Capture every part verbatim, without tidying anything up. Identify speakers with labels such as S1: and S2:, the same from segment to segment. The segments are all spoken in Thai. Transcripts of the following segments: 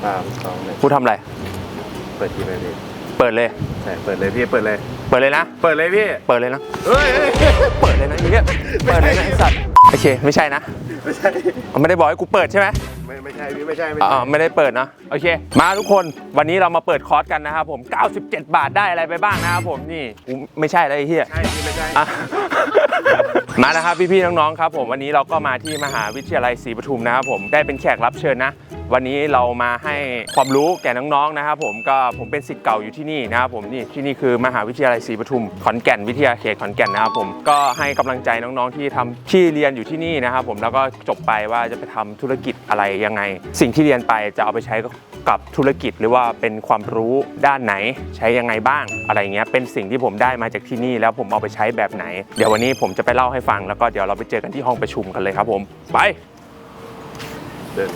S1: สามสองหนึ่ง
S2: กูทำอะไร
S1: เปิดทีเลยพี่
S2: เปิดเลย
S1: ใช่เปิดเลยพี่เปิดเลย
S2: เปิดเลยนะ
S1: เปิดเลยพี่
S2: เปิดเลยนะ
S1: เฮ้ย
S2: เปิดเลยนะไอ้เหี้ยเปิดเลยนะไอ้สัตว์โอเคไม่ใช่นะ
S1: ไม่ใช่
S2: ไม่ได้บอกให้กูเปิดใช่ไหม
S1: ไม่ไม่ใช่พี่ไม่ใช่ไม่
S2: อ๋
S1: ใช่
S2: อไม่ได้เปิดนะโอเคมาทุกคนวันนี้เรามาเปิดคอร์สกันนะครับผมเก้าสิบเจ็ดบาทได้อะไรไปบ้างนะครับผมนี่กูไม่ใช่แล้วไอ้เหี้ย
S1: ใช่พี่ไม่ใช่
S2: มานะครับพี่ๆน้องๆครับผมวันนี้เราก็มาที่มหาวิทยาลัยศรีปทุมนะครับผมได้เป็นแขกรับเชิญนะวันนี้เรามาให้ความรู้แก่น้องๆนะครับผมก็ผมเป็นศิษย์เก่าอยู่ที่นี่นะครับผมนี่ที่นี่คือมหาวิทยาลัยศรีปทุมขอนแก่นวิทยาเขตขอนแก่นนะครับผมก็ให้กำลังใจน้องๆที่ทำที่เรียนอยู่ที่นี่นะครับผมแล้วก็จบไปว่าจะไปทำธุรกิจอะไรยังไงสิ่งที่เรียนไปจะเอาไปใช้กับธุรกิจหรือว่าเป็นความรู้ด้านไหนใช้ยังไงบ้างอะไรเงี้ยเป็นสิ่งที่ผมได้มาจากที่นี่แล้วผมเอาไปใช้แบบไหนเดี๋ยววันนี้ผมจะไปเล่าให้ฟังแล้วก็เดี๋ยวเราไปเจอกันที่ห้องประชุมกันเลยครับผมไป
S1: เดิน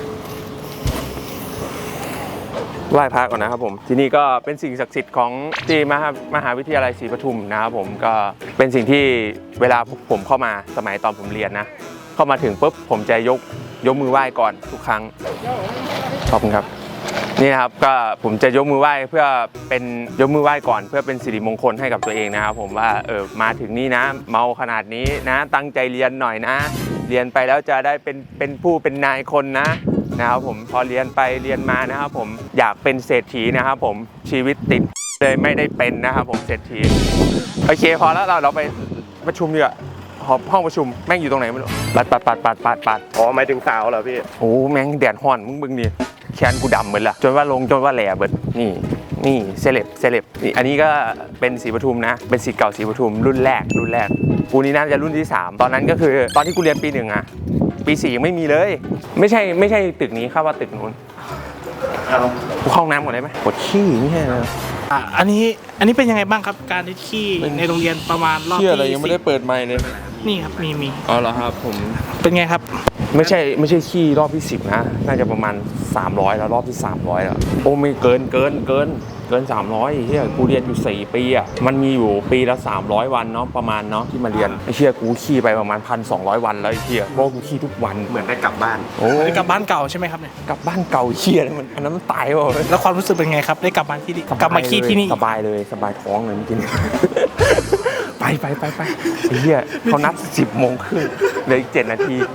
S2: ไหว้พระก่อนนะครับผมที่นี่ก็เป็นสิ่งศักดิ์สิทธิ์ของที่มหามหาวิทยาลัยศรีปทุมนะครับผมก็เป็นสิ่งที่เวลาผมเข้ามาสมัยตอนผมเรียนนะเข้ามาถึงปุ๊บผมจะยกยกมือไหว้ก่อนทุกครั้งขอบคุณครับนี่นะครับก็ผมจะยกมือไหว้เพื่อเป็นยกมือไหว้ก่อนเพื่อเป็นสิริมงคลให้กับตัวเองนะครับผมว่าเออมาถึงนี่นะเมาขนาดนี้นะตั้งใจเรียนหน่อยนะเรียนไปแล้วจะได้เป็นเป็นผู้เป็นนายคนนะนะครับผมพอเรียนไปเรียนมานะครับผมอยากเป็นเศรษฐีนะครับผมชีวิตติดเลยไม่ได้เป็นนะครับผมเศรษฐีโอเคพอแล้วเราเราไปประชุมดีกว่าห้องประชุมแม่งอยู่ตรงไหนไม่รู้ปัดปัดปัดปัดปัดปัด
S1: อ๋อหมายถึงสาวเหรอพี่
S2: โอ้แม่งแดดฮ้อนมึงบึงดิแขนกูดำเหมือนละจนว่าลงจนว่าแหล่เบิดนี่นี่เซเลบเซเลบนี่อันนี้ก็เป็นศรีปทุมนะเป็นศิษย์เก่าศรีปทุมรุ่นแรกรุ่นแรกกูนี่น่าจะรุ่นที่สามตอนนั้นก็คือตอนที่กูเรียนปีหนึ่งอะปีสี่ยังไม่มีเลยไม่ใช่ไม่ใช่ตึกนี้ครับว่าตึกนู้นเอากูเข้าห้องน้ำก่อนได้ไหมปวดขี้นี่ไง
S3: อ่ะอันนี้อันนี้เป็นยังไงบ้างครับการที่ขี้ในโรงเรียนประมาณรอบที่
S2: อะไรยังไม่ได้เปิดไมค์เลย
S3: นี่ครับมีมี
S2: อ๋อเหรอครับผม
S3: เป็นไงครับ
S2: ไม่ใช่ไม่ใช่ขี้รอบที่สิบนะน่าจะประมาณสามร้อยแล้วรอบที่สามร้อยแล้วโอ้ไม่เกินเกินเกินเกินสามร้อยเฮียกูเรียนอยู่สี่ปีอ่ะมันมีอยู่ปีละสามร้อยวันเนาะประมาณเนาะที่มาเรียนไอ้เฮียกูขี้ไปประมาณ หนึ่งพันสองร้อย วันแล้วไอ้เฮียเพราะกูขี้ทุกวัน
S1: เหมือนได้กลับบ้าน
S2: โอ้
S3: ได้กลับบ้านเก่าใช่ไหมครับเนี่ย
S2: กลับบ้านเก่าเฮียมันอันนั้นมันตายว่ะ
S3: แล้วความรู้สึกเป็นไงครับได้กลับบ้านที่นี่กลับมาขี้ที่นี่
S2: สบายเลยสบายท้องเลยเมื่อกี้ไปไปไปไปไอ้เฮียเขานัดสิบโมงครึ่งเหลืออีกเจ็ดนาที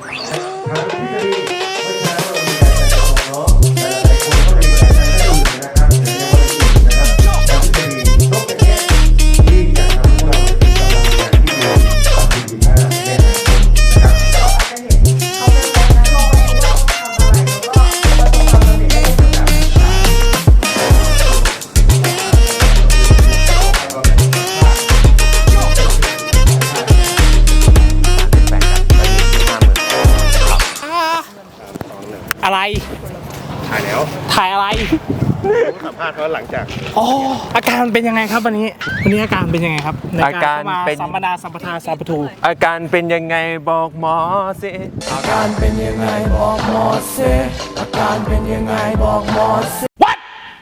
S3: อะไร
S1: ถ่ายแล้ว
S3: ถ่ายอะไร
S1: สัมภาษณ์เขาหลังจาก
S3: อ๋ออาการเป็นยังไงครับวันนี้วันนี้อาการเป็นยังไงครับ
S2: อาการเป็น
S3: สัมปนาสัมปทาสัมปทู
S2: อาการเป็นยังไงบอกหมอสิ
S4: อาการเป็นยังไงบอกหมอสิอาการเป็นยังไงบอกหมอสิ
S3: What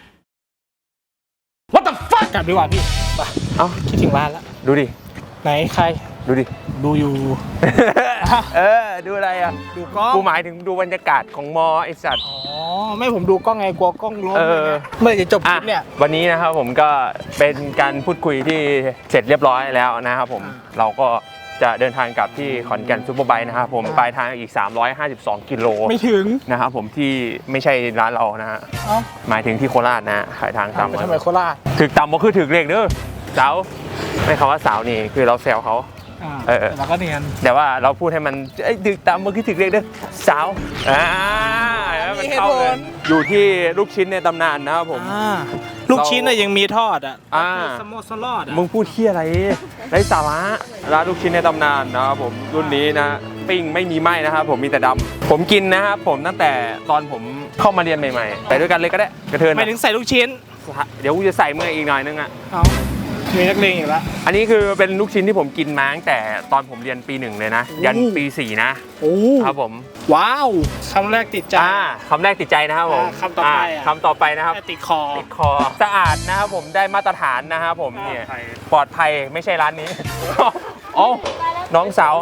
S3: What the fuck กลับดีกว่าพี่ไป
S2: เอ้า
S3: คิดถึงบ้านแล้ว
S2: ดูดิ
S3: ไหนใคร
S2: ดูดิ
S3: ดูอยู่
S2: เออดูอะไรอ่ะ
S3: ดูกล้อง
S2: กูหมายถึงดูบรรยากาศของมอไอสัตว์
S3: อ๋อไม่ผมดูกล้องไงกลัวกล้องล้มเมื่อจะจบคลิปเนี่ย
S2: วันนี้นะครับผมก็เป็นการพูดคุยที่เสร็จเรียบร้อยแล้วนะครับผมเราก็จะเดินทางกลับที่ขอนแก่นซุปเปอร์ไบค์นะครับผมปลายทางอีกสามร้อยห้าสิบสองกิโล
S3: ไม่ถึง
S2: นะครับผมที่ไม่ใช่ร้านเรานะฮะหมายถึงที่โคราชนะขายทางตาม
S3: ทำไมโคราช
S2: ถึกต่ำก็คือถึกเลขเด้อสาวไม่คำว่าสาวนี่คือเราแซวเขา
S3: เออแล้วก็เนียน
S2: แต่ว่าเราพูดให้มันไอ้ถึกต่ำก็คือถึกเลขเด้อสาวอ่ามันเข้าเลยอยู่ที่ลูกชิ้นในตำนานนะครับผม
S3: ลูกชิ้นน่ะยังมีทอดอ่ะสโมสลอด
S2: มึงพูดที่อะไรไร้สาระร้านลูกชิ้นในตำนานนะครับผมรุ่นนี้นะปิ้งไม่มีไหม้นะครับผมมีแต่ดำผมกินนะครับผมตั้งแต่ตอนผมเข้ามาเรียนใหม่ๆไปด้วยกันเลยก็ได้กระเทิน
S3: หมายถึงใส่ลูกชิ้น
S2: เดี๋ยวกูจะใส่เมื่ออีกหน่อยนึงอ่ะ
S3: มีนักเลงอีกแล้ว
S2: อันนี้คือเป็นลูกชิ้นที่ผมกินมาตั้งแต่ตอนผมเรียนปีหนึ่งเลยนะยันปีสี่นะ
S3: โอ้
S2: ครับผม
S3: ว้าวคำแรกติดใจ
S2: คำแรกติดใจนะครับผม
S3: คำต่อไป
S2: คำต่อไปนะครับ
S3: ติดคอ
S2: ติดคอสะอาดนะครับผมได้มาตรฐานนะครับผมเนี่ยปลอดภัยไม่ใช่ร้านนี้อ๋อน้องสาว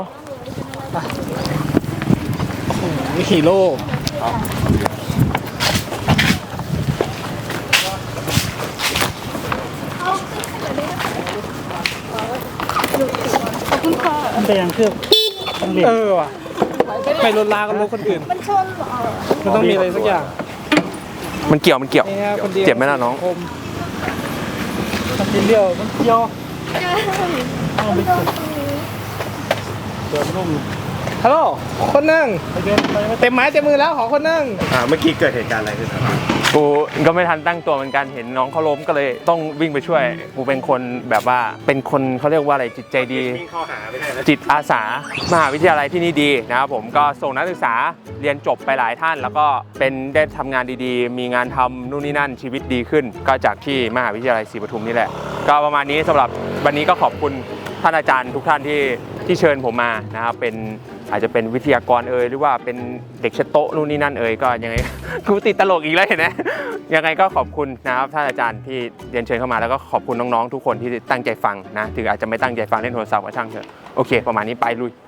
S3: โอ้โหฮีโร่ไปยังเครื่องเออว่ะไปรถลากับรถคนอื่น
S5: มันชนเหรอ
S3: มันต้องมีอะไรสักอย่าง
S2: มันเกี่ยวมันเกี่ยว
S3: นี่ฮะคนเดียว
S2: เจ็บไหมล่ะน้อง
S3: คมมันกินเลี้ยวมันเกี่ยวเอาไปสุดเดินนุ่มฮัลโหลคนหนึ่งเต็มไม้เต็มมือแล้วขอคนหนึ่ง
S1: อ่าเมื่อกี้เกิดเหตุการณ์อะไรขึ้นครับ
S2: กูก็ไม่ทันตั้งตัวเหมือนกันเห็นน้องเขาล้มก็เลยต้องวิ่งไปช่วยกูเป็นคนแบบว่าเป็นคนเขาเรียกว่าอะไรจิตใจดี
S1: วิ่งเข้าหาไม่ได้นะ
S2: จิตอาสามหาวิทยาลัยที่นี่ดีนะครับผมก็ส่งนักศึกษาเรียนจบไปหลายท่าน แล้วก็เป็นได้ทำงานดีๆ มีงานทำนู่นนี่นั่นชีวิตดีขึ้น ก็จากที่มหาวิทยาลัยศรีปทุมนี่แหละก็ประมาณนี้สำหรับวันนี้ก็ขอบคุณท่านอาจารย์ทุกท่านที่ที่เชิญผมมานะครับเป็นอาจจะเป็นวิทยากรเอ่ยหรือว่าเป็นเด็กเชดโต๊ะนู่นนี่นั่นเอ่ยก็ยังไง กูติดตลกอีกแล้วเห็นไหมยังไงก็ขอบคุณนะครับท่านอาจารย์ที่เรียนเชิญเข้ามาแล้วก็ขอบคุณน้องๆทุกคนที่ตั้งใจฟังนะถึงอาจจะไม่ตั้งใจฟังเล่นโทรศัพท์ก็ช่างเถอะโอเคประมาณนี้ไปลุย